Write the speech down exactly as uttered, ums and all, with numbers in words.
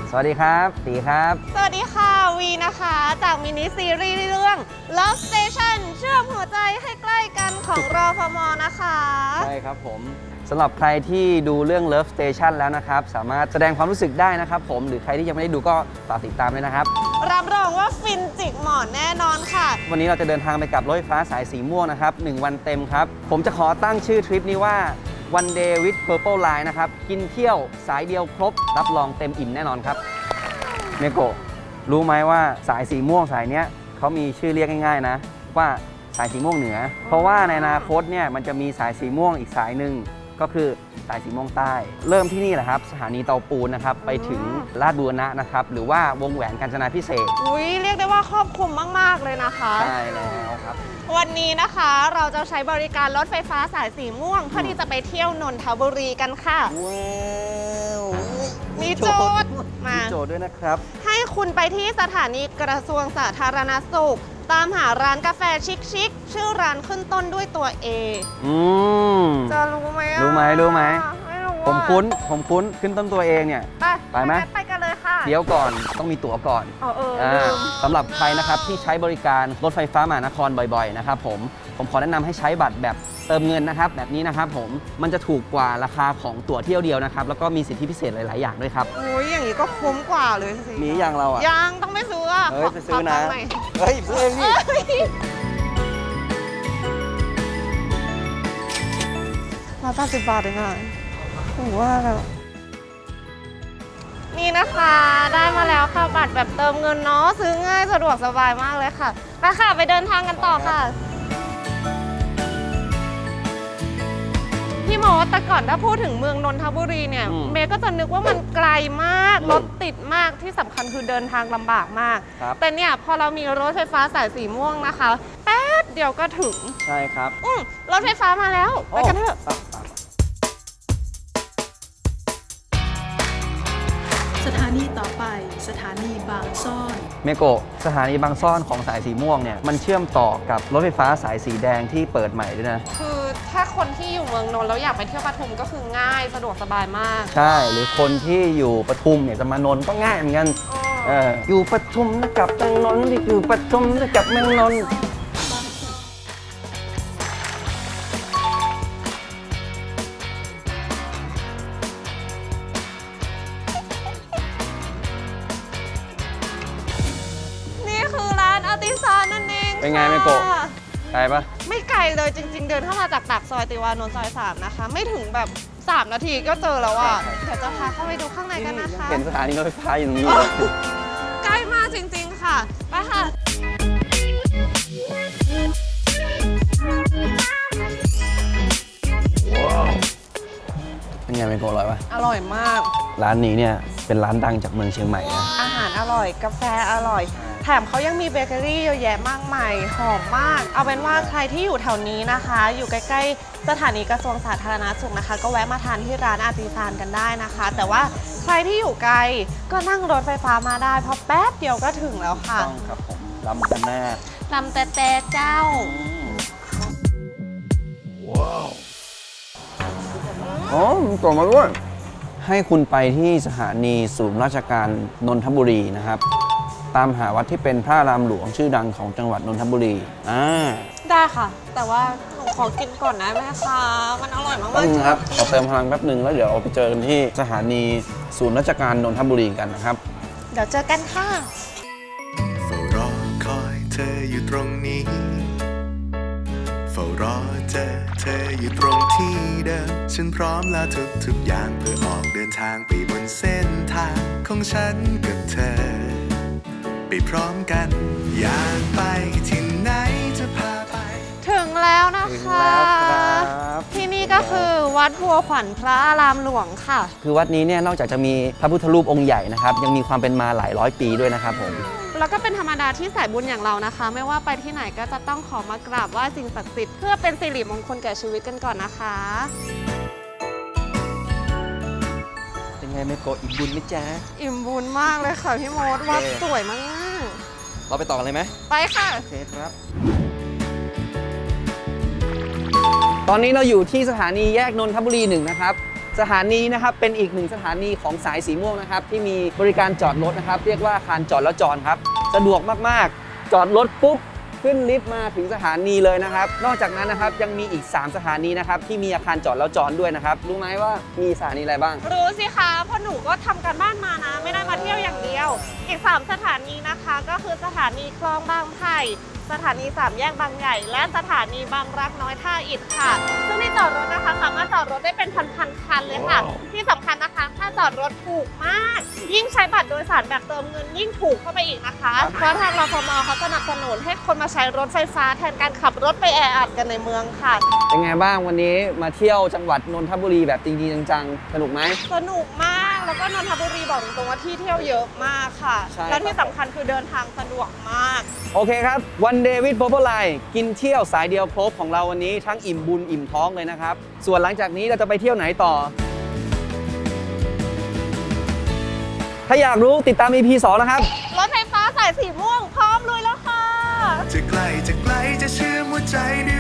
สวัสดีครับตีครับสวัสดีค่ะวีนะคะจากมินิซีรีส์เรื่อง Love Station เชื่อมหัวใจให้ใกล้กันของรฟม.นะคะใช่ครับผมสำหรับใครที่ดูเรื่อง Love Station แล้วนะครับสามารถแสดงความรู้สึกได้นะครับผมหรือใครที่ยังไม่ได้ดูก็ฝากติดตามด้วยนะครับรับรองว่าฟินจิกหมอนแน่นอนค่ะวันนี้เราจะเดินทางไปกับรถไฟฟ้าสายสีม่วงนะครับหนึ่งวันเต็มครับผมจะขอตั้งชื่อทริปนี้ว่า One Day with Purple Line นะครับกินเที่ยวสายเดียวครบรับรองเต็มอิ่มแน่นอนครับเมโกะรู้ไหมว่าสายสีม่วงสายเนี้ยเขามีชื่อเรียกง่ายๆนะว่าสายสีม่วงเหนือเพราะว่าในอนาคตเนี่ยมันจะมีสายสีม่วงอีกสายหนึ่งก็คือสายสีม่วงใต้เริ่มที่นี่แหละครับสถานีเตาปูนนะครับไปถึงลาดบูรณะนะครับหรือว่าวงแหวนกาญจนาภิเษกอุ้ยเรียกได้ว่าครอบคลุมมากๆเลยนะคะใช่แล้วครับวันนี้นะคะเราจะใช้บริการรถไฟฟ้าสายสีม่วงเพื่อที่จะไปเที่ยวนนทบุรีกันค่ะว้าวมีโจทย์มาโจทย์ด้วยนะครับให้คุณไปที่สถานีกระทรวงสาธารณสุขตามหาร้านกาแฟชิคๆชื่อร้านขึ้นต้นด้วยตัว A อืมจะรู้ไหมรู้ไหมรู้ไหมไม่รู้ผมคุ้นผมคุ้นขึ้นต้นตัวเองเนี่ยไปไปไหมไปกันเลยค่ะเดี๋ยวก่อนต้องมีตั๋วก่อนเออเออสำหรับใครนะครับที่ใช้บริการรถไฟฟ้ามหานครบ่อยๆนะครับผมผมขอแนะนำให้ใช้บัตรแบบเติมเงินนะครับแบบนี้นะครับผมมันจะถูกกว่าราคาของตั๋วเที่ยวเดียวนะครับแล้วก็มีสิทธิพิเศษหลายๆอย่างด้วยครับโอ้ยอย่างนี้ก็คุ้มกว่าเลยสิมีอย่างเราอ่ะยังต้องไม่ซื้ออ่ะเฮ้ยไปซื้อนะเฮ้ยซื้อเองดิร้อยแปดสิบบาทเองอ่ะผมว่าแบบนี่นะคะได้มาแล้วค่ะบัตรแบบเติมเงินเนาะซื้อง่ายสะดวกสบายมากเลยค่ะไปค่ะไปเดินทางกันต่อค่ะพี่โมแต่ก่อนถ้าพูดถึงเมืองนนทบุรีเนี่ยเมย์ก็จะนึกว่ามันไกลมากรถติดมากที่สำคัญคือเดินทางลำบากมากแต่เนี่ยพอเรามีรถไฟฟ้าสายสีม่วงนะคะแป๊บเดียวก็ถึงใช่ครับอืมรถไฟฟ้ามาแล้วไปกันเถอะสถานีต่อไปสถานีบางซ่อนเมโกะสถานีบางซ่อนของสายสีม่วงเนี่ยมันเชื่อมต่อกับรถไฟฟ้าสายสีแดงที่เปิดใหม่ด้วยนะคือถ้าคนที่อยู่เมืองนนท์แล้วอยากไปเที่ยวปทุมก็คือง่ายสะดวกสบายมากใช่หรือคนที่อยู่ปทุมเนี่ยจะมานนท์ก็ง่ายเหมือนกันเอออยู่ปทุมนะกับเมืองนนท์ที่อยู่ปทุมนะกับเมืองนนท์เป็นไงเมโกะไกลปะไม่ไกลเลยจริงๆเดินเข้ามาจากปากซอยติวานนท์ซอยสามนะคะไม่ถึงแบบสามนาทีก็เจอแล้วอ่ะเดี๋ยวจะพาเข้าไปดูข้างในกันนะคะเห็นสถานีรถไฟฟ้าอยู่ตรงนี้ใกล้มากจริงๆค่ะไปค่ะเป็นไงเมโกะอร่อยปะอร่อยมากร้านนี้เนี่ยเป็นร้านดังจากเมืองเชียงใหม่นะอาหารอร่อยกาแฟอร่อยแถมเขายังมีเบเกอรี่เยอะแยะมากมายหอมมากเอาเป็นว่าใครที่อยู่แถวนี้นะคะอยู่ใกล้ๆสถานีกระทรวงสาธารณสุขนะคะก็แวะมาทานที่ร้านอาร์ติซานกันได้นะคะแต่ว่าใครที่อยู่ไกลก็นั่งรถไฟฟ้ามาได้เพราะแป๊บเดียวก็ถึงแล้วค่ะต้องครับผมลำกันแน่ลำแต่แต่เจ้าว้าวอ๋อมีกล่องมาด้วยให้คุณไปที่สถานีศูนย์ราชการนนทบุรีนะครับตามหาวัดที่เป็นพระรามหลวงชื่อดังของจังหวัดนนทบุรีอ่าได้ค่ะแต่ว่าหนูขอกินก่อนได้ไหมคะมันอร่อยมากๆจริงครับขอเติมพลังแป๊บหนึ่งแล้วเดี๋ยวเราไปเจอกันที่สถานีศูนย์ราชการนนทบุรีกันนะครับเดี๋ยวเจอกันค่ะเฝ้ารอคอยเธออยู่ตรงนี้เฝ้ารอเจอเธออยู่ตรงที่เดิมฉันพร้อมแล้วทุกทุกอย่างเพื่อออกเดินทางไปบนเส้นทางของฉันกับเธอไปพร้อมกันอยากไปที่ไหนจะพาไปถึงแล้วนะคะที่นี่ก็คือวัดบัวขวัญพระอารามหลวงค่ะคือวัดนี้เนี่ยนอกจากจะมีพระพุทธรูปองค์ใหญ่นะครับยังมีความเป็นมาหลายร้อยปีด้วยนะครับผมแล้วก็เป็นธรรมดาที่สายบุญอย่างเรานะคะไม่ว่าไปที่ไหนก็จะต้องขอมากราบไหว้สิ่งศักดิ์สิทธิ์เพื่อเป็นสิริมงคลแก่ชีวิตกันก่อนนะคะเป็นไงเมโกะอิ่มบุญไหมจ๊ะอิ่มบุญมากเลยค่ะพี่มดวัดสวยมากเราไปต่อกันเลยไหมไปค่ะโอเคครับตอนนี้เราอยู่ที่สถานีแยกนนทบุรีหนึ่งนะครับสถานีนะครับเป็นอีกหนึ่งสถานีของสายสีม่วงนะครับที่มีบริการจอดรถนะครับเรียกว่าอาคารจอดแล้วจอดครับสะดวกมากๆจอดรถปุ๊บขึ้นลิฟต์มาถึงสถานีเลยนะครับนอกจากนั้นนะครับยังมีอีกสามสถานีนะครับที่มีอาคารจอดแล้วจอดด้วยนะครับรู้ไหมว่ามีสถานีอะไรบ้างรู้สิคะเพราะหนูก็ทำการบ้านมานะ ไม่ได้มาเที่ยวอย่างเดียว อีก สาม สถานีนะคะ ก็คือสถานีคลองบางไผ่สถานีสามแยกบางใหญ่ และสถานีบางรักน้อยท่าอิฐค่ะซึ่งที่จอดรถนะคะสามารถจอดรถได้เป็นพันๆคันเลยค่ะ ที่สำคัญนะคะถ้าจอดรถถูกมาก ยิ่งใช้บัตรโดยสารแบบเติมเงินยิ่งถูกเข้าไปอีกนะคะ เพราะทางรฟมเขาสนับสนุนให้คนมาใช้รถไฟฟ้าแทนการขับรถไปแออัดกันในเมืองค่ะเป็นไงบ้างวันนี้มาเที่ยวจังหวัดนนทบุรีแบบจริงๆจังๆสนุกไหมสนุกมาก แล้วก็นนทบุรีบอกตรงๆว่าที่เที่ยวเยอะมากค่ะใช่ครับและที่สำคัญคือเดินทางสะดวกมากโอเคครับวันเดวิดโพ p ไลน์กินเที่ยวสายเดียวครบของเราวันนี้ทั้งอิ่มบุญอิ่มท้องเลยนะครับ ส่วนหลังจากนี้เราจะไปเที่ยวไหนต่อ ถ้าอยากรู้ติดตาม อี พี สองนะครับรถไฟฟ้าสายสีม่วงพร้อมลุยแล้วค่ะจะไกลจะไกลจะเชื่อมหัวใจด้วย